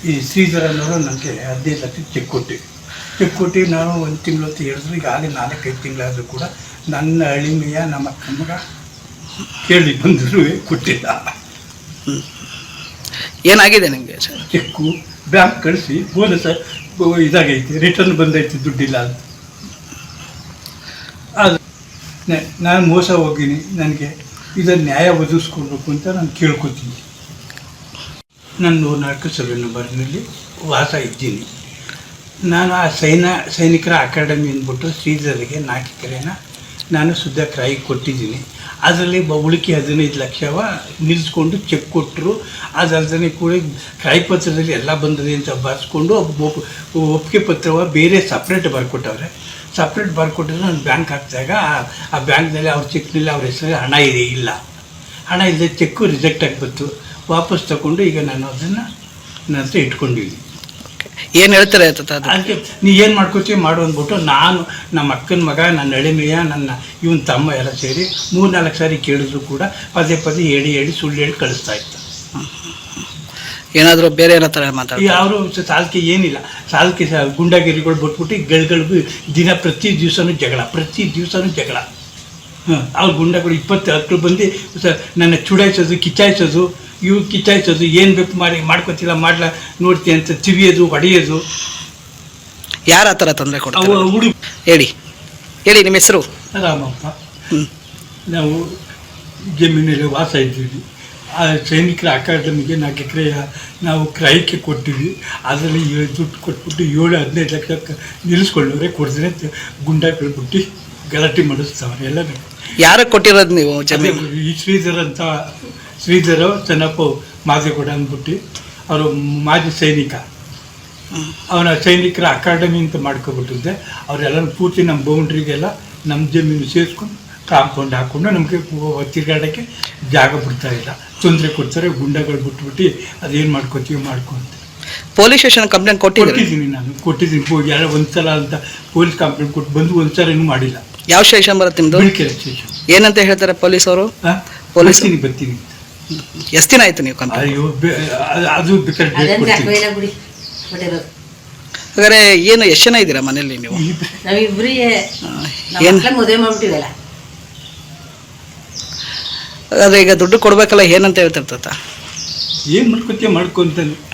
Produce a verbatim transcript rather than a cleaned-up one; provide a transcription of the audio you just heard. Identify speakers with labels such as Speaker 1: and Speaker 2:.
Speaker 1: ಈ ಶ್ರೀಧರ್ ಅನ್ನೋರು ನನಗೆ ಹದಿನೈದು ಲಕ್ಷ ಚೆಕ್ ಕೊಟ್ಟು ಚೆಕ್ ಕೊಟ್ಟು ನಾನು ಒಂದು ತಿಂಗಳು ಹೊತ್ತು ಹೇಳಿದ್ರು. ಈಗಾಗಲೇ ನಾಲ್ಕೈದು ತಿಂಗಳಾದರೂ ಕೂಡ ನನ್ನ ಅಳಿಮೆಯ ನಮ್ಮ ಅಕ್ಕಮ್ಮಗ ಕೇಳಿ ಬಂದರೂ ಕೊಟ್ಟಿಲ್ಲ.
Speaker 2: ಏನಾಗಿದೆ ನಿಮಗೆ ಸರ್?
Speaker 1: ಚೆಕ್ಕು ಬ್ಯಾಂಕ್ ಕಳಿಸಿ ಬೋನಸ್ ಇದಾಗೈತೆ, ರಿಟರ್ನ್ ಬಂದೈತೆ, ದುಡ್ಡಿಲ್ಲ ಅಂತ. ಅದು ನಾನು ಮೋಸ ಹೋಗಿನಿ, ನನಗೆ ಇದನ್ನು ನ್ಯಾಯ ಒದಗಿಸ್ಕೊಡ್ಬೇಕು ಅಂತ ನಾನು ಕೇಳ್ಕೊತೀನಿ. ನಾನು ನೂರ ನಾಲ್ಕು ಸರ್ವೆ ನಂಬರ್ನಲ್ಲಿ ವಾಸ ಇದ್ದೀನಿ. ನಾನು ಆ ಸೈನಾ ಸೈನಿಕರ ಅಕಾಡೆಮಿ ಅಂದ್ಬಿಟ್ಟು ಶ್ರೀಧರಿಗೆ ನಾಲ್ಕು ಎಕರೆನ ನಾನು ಶುದ್ಧ ಕ್ರಾಯಿ ಕೊಟ್ಟಿದ್ದೀನಿ. ಅದರಲ್ಲಿ ಉಳಿಕೆ ಹದಿನೈದು ಲಕ್ಷವ ನಿಲ್ಲಿಸ್ಕೊಂಡು ಚೆಕ್ ಕೊಟ್ಟರು. ಅದಲ್ಲದೆ ಕೂಡ ಕ್ರಾಯಿ ಪತ್ರದಲ್ಲಿ ಎಲ್ಲ ಬಂದಿದೆ ಅಂತ ಬರೆಸ್ಕೊಂಡು ಒಪ್ಪಿಗೆ ಪತ್ರವ ಬೇರೆ ಸಪ್ರೇಟ್ ಬರ್ಕೊಟ್ಟವ್ರೆ. ಸಪ್ರೇಟ್ ಬರ್ಕೊಟ್ಟಿದ್ರೆ ನಾನು ಬ್ಯಾಂಕ್ ಹಾಕಿದಾಗ ಆ ಬ್ಯಾಂಕ್ನಲ್ಲಿ ಅವ್ರ ಚೆಕ್ನಲ್ಲಿ ಅವ್ರ ಹೆಸರಲ್ಲಿ ಹಣ ಇದೆ ಇಲ್ಲ, ಹಣ ಇಲ್ಲದೆ ಚೆಕ್ಕು ರಿಜೆಕ್ಟ್ ಆಗಿಬಿಟ್ಟು ವಾಪಸ್ ತಗೊಂಡು ಈಗ ನಾನು ಅದನ್ನು ನನ್ನ ಹತ್ರ ಇಟ್ಕೊಂಡಿದ್ದೀನಿ.
Speaker 2: ಏನು ಹೇಳ್ತಾರೆ
Speaker 1: ಅದಕ್ಕೆ ನೀ ಏನು ಮಾಡ್ಕೊತೀವಿ ಮಾಡು ಅಂದ್ಬಿಟ್ಟು ನಾನು ನಮ್ಮ ಅಕ್ಕನ ಮಗ, ನನ್ನ ಎಳೆಮೆಯ, ನನ್ನ ಇವನ ತಮ್ಮ ಎಲ್ಲ ಸೇರಿ ಮೂರು ನಾಲ್ಕು ಸಾರಿ ಕೇಳಿದ್ರು ಕೂಡ ಪದೇ ಪದೇ ಹೇಳಿ ಹೇಳಿ ಸುಳ್ಳು ಹೇಳಿ ಕಳಿಸ್ತಾ ಇತ್ತು.
Speaker 2: ಏನಾದರೂ ಬೇರೆ ಏನೋ ಥರ ಮಾತಾಡಿ
Speaker 1: ಅವರು ಸಾಲಕ್ಕೆ ಏನಿಲ್ಲ, ಸಾಲಕ್ಕೆ ಗುಂಡಾಗಿರಿಗಳು ಬಿಟ್ಬಿಟ್ಟು ಗಳಿಗಳಿಗೂ ದಿನ ಪ್ರತಿ ದಿವಸನೂ ಜಗಳ, ಪ್ರತಿ ದಿವಸನೂ ಜಗಳ. ಹಾಂ, ಅವ್ರ ಗುಂಡಗಳು ಇಪ್ಪತ್ತು ಹತ್ತು ಬಂದು ನನ್ನ ಚುಡಾಯಿಸೋದು, ಕಿಚ್ಚಾಯಿಸೋದು, ಇವು ಕಿಚ್ಚಾಯಿಸೋದು, ಏನು ಬೇಕು ಮಾಡಿ ಮಾಡ್ಕೊತಿಲ್ಲ ಮಾಡ್ಲಾ ನೋಡ್ತೀನಿ ಅಂತ ತಿವಿಯೋದು, ಹೊಡೆಯೋದು.
Speaker 2: ಯಾರು ಆ ಥರ ತೊಂದರೆ ಕೊಡ್ತಾರೆ?
Speaker 1: ಅವು ಹುಡುಗ
Speaker 2: ಹೇಳಿ ಹೇಳಿ ನಿಮ್ಮ ಹೆಸರು?
Speaker 1: ರಾಮಪ್ಪ. ನಾವು ಜಮೀನಲ್ಲಿ ವಾಸ ಇದ್ದೀವಿ. ಆ ಸೈನಿಕರ ಅಕಾಡೆಮಿಗೆ ನಾಲ್ಕು ಎಕರೆ ನಾವು ಕ್ರಯಕ್ಕೆ ಕೊಟ್ಟಿವಿ. ಅದರಲ್ಲಿ ದುಡ್ಡು ಕೊಟ್ಬಿಟ್ಟು ಏಳು ಹದಿನೈದು ಲಕ್ಷ ನಿಲ್ಲಿಸ್ಕೊಳ್ಳೋರೆ ಕೊಡ್ತಾರೆ ಅಂತ ಗುಂಡಾಗಳು ಬಿಟ್ಟು ಗಲಾಟೆ ಮಾಡಿಸ್ತಾವ್ರೆ ಎಲ್ಲ.
Speaker 2: ಯಾರಿಗೆ ಕೊಟ್ಟಿರೋದು ನೀವು?
Speaker 1: ಈ ಶ್ರೀಧರ್ ಅಂತ, ಶ್ರೀಧರ ಚೆನ್ನಪ್ಪ ಮಾದೇಗೌಡ ಅಂದ್ಬಿಟ್ಟು ಅವರು ಮಾಜಿ ಸೈನಿಕ. ಅವನ ಸೈನಿಕರ ಅಕಾಡೆಮಿ ಅಂತ ಮಾಡ್ಕೊಬಿಟ್ಟಿದ್ದೆ. ಅವರೆಲ್ಲ ಪೂರ್ತಿ ನಮ್ಮ ಬೌಂಡ್ರಿಗೆಲ್ಲ ನಮ್ಮ ಜಮೀನು ಸೇರಿಸ್ಕೊಂಡು ಕಾಂಪೌಂಡ್ ಹಾಕ್ಕೊಂಡು ನಮಗೆ ತಿರುಗಾಡೋಕ್ಕೆ ಜಾಗ ಬಿಡ್ತಾ ಇಲ್ಲ, ತೊಂದರೆ ಕೊಡ್ತಾರೆ. ಗುಂಡಗಳು ಬಿಟ್ಬಿಟ್ಟು ಅದೇನು ಮಾಡ್ಕೊತೀವಿ ಮಾಡ್ಕೊಂತ
Speaker 2: ಪೊಲೀಸ್ ಸ್ಟೇಷನ್ ಕಂಪ್ಲೇಂಟ್
Speaker 1: ಕೊಟ್ಟಿದ್ದೀನಿ. ನಾನು ಕೊಟ್ಟಿದ್ದೀನಿ ಯಾರೋ ಒಂದ್ಸಲ ಅಂತ ಪೊಲೀಸ್ ಕಂಪ್ಲೇಂಟ್ ಕೊಟ್ಟು ಬಂದು ಒಂದ್ಸಲ ಇನ್ನೂ ಮಾಡಿಲ್ಲ.
Speaker 2: ಯಾವ ಸ್ಟೇಷನ್ ಬರುತ್ತೆ ನಿಮ್ಮದು?
Speaker 1: ಬಿಳಿಕೆರೆ ಸ್ಟೇಷನ್.
Speaker 2: ಏನಂತ ಹೇಳ್ತಾರೆ ಪೊಲೀಸ್ ಅವರು?
Speaker 1: ಪೊಲೀಸ್ ಬರ್ತೀನಿ.
Speaker 2: ಎಷ್ಟು ದಿನ ಆಯ್ತು ನೀವು ಕಂಪ್ಲೇಂಟ್?
Speaker 1: ಅಯ್ಯೋ, ಅದು ಬೇಕಾದ್ರೆ
Speaker 2: ಹಾಗಾದ್ರೆ ಏನು ಎಷ್ಟು ಜನ ಇದ್ದೀರಾ ಮನೇಲಿ ನೀವು? ಏನು
Speaker 3: ಮದುವೆ ಮಾಡ್ಬಿಟ್ಟಿವಲ್ಲ.
Speaker 2: ಹಾಗಾದ್ರೆ ಈಗ ದುಡ್ಡು ಕೊಡ್ಬೇಕಲ್ಲ, ಏನಂತ ಹೇಳ್ತಿರ್ತ?
Speaker 1: ಏನು ಮಾಡ್ಕೊತೀಯ ಮಾಡ್ಕೊಂತಾನೆ.